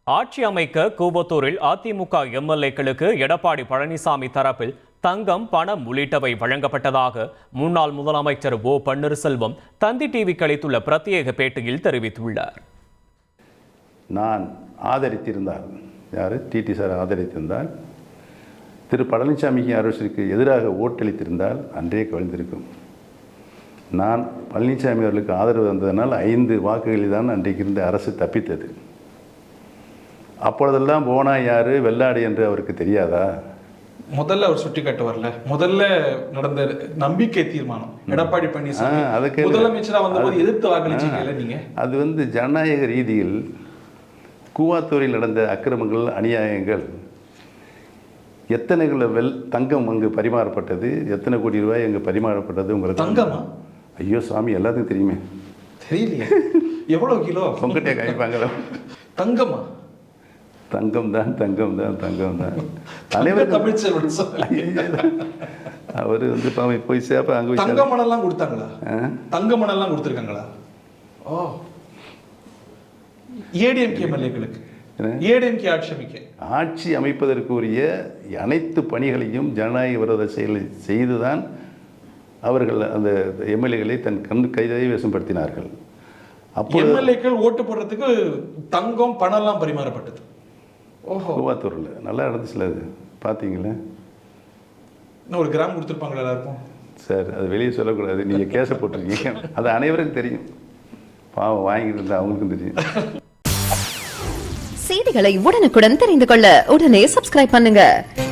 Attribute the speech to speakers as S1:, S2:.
S1: ஆட்சி அமைக்க கூவத்தூரில் அதிமுக எம்எல்ஏக்களுக்கு எடப்பாடி பழனிசாமி தரப்பில் தங்கம், பணம் உள்ளிட்டவை வழங்கப்பட்டதாக முன்னாள் முதலமைச்சர் ஓ பன்னீர்செல்வம் தந்தி டிவிக்கு அளித்துள்ள பிரத்யேக பேட்டியில் தெரிவித்துள்ளார்.
S2: நான் ஆதரித்திருந்தால், யார் டிடி சார் ஆதரித்திருந்தால், திரு பழனிசாமிக்கு அரசுக்கு எதிராக ஓட்டளித்திருந்தால் அன்றே கவிழ்ந்திருக்கும். நான் பழனிசாமி அவர்களுக்கு ஆதரவு வந்ததனால் 5 வாக்குகளில் தான் அன்றைக்கு இருந்த அரசு தப்பித்தது. அப்பொழுதெல்லாம் போனா யாரு வெள்ளாடு என்று அவருக்கு தெரியாதா?
S3: முதல்ல அவர் சுட்டி காட்ட வரல. முதல்ல நடந்த நம்பிக்கை தீர்மானம் எடப்பாடி பழனிசாமி முதலமைச்சரா வந்தபோது எதிர்த்து வாக்களிச்சீங்கல்ல நீங்க.
S2: அது ஜனநாயக ரீதியில் கூவாத்தூரில் நடந்த அக்கிரமங்கள், அநியாயங்கள், எத்தனை தங்கம் அங்கு பரிமாறப்பட்டது, எத்தனை கோடி ரூபாய் அங்கு பரிமாறப்பட்டது உங்களுக்கு
S3: தங்கமா?
S2: ஐயோ சாமி, எல்லாத்துக்கும் தெரியுமே.
S3: தெரியலையே. எவ்வளவு கிலோ
S2: உங்ககிட்ட காய்ப்பாங்களோ?
S3: தங்கமா?
S2: தங்கம் தான், தங்கம் தான், தங்கம் தான். அவர் போய் சேப்ப அங்கே
S3: தங்க மணல்லாம் கொடுத்தாங்களா? தங்க மணல்லாம் கொடுத்துருக்காங்களா? ஓ, ஏடிஎம்கே எம்எல்ஏக்களுக்கு ஏடிஎம்கே ஆட்சி
S2: அமைப்பதற்கு உரிய அனைத்து பணிகளையும் ஜனநாயக விரோத செயலை செய்துதான் அவர்கள் அந்த எம்எல்ஏக்களை தன் கைவசப்படுத்தினார்கள்.
S3: அப்போ எம்எல்ஏக்கள் ஓட்டு போடுறதுக்கு தங்கம், பணம்லாம் பரிமாறப்பட்டது. ஓஹோ,
S2: கூவாத்தூரில் நல்லா நடந்துச்சுல, அது பார்த்தீங்களா?
S3: இன்னும் 1 கிராம் கொடுத்துருப்பாங்களா எல்லாருக்கும்?
S2: சார், அது வெளியே சொல்லக்கூடாது, நீங்கள் கேஸை போட்டிருக்கீங்க, அது அனைவருக்கும் தெரியும். பாவம் வாங்கிட்டு இருந்தால் அவங்களுக்கும் தெரியும்.
S4: செய்திகளை உடனுக்குடன் தெரிந்து கொள்ள உடனே சப்ஸ்கிரைப் பண்ணுங்க.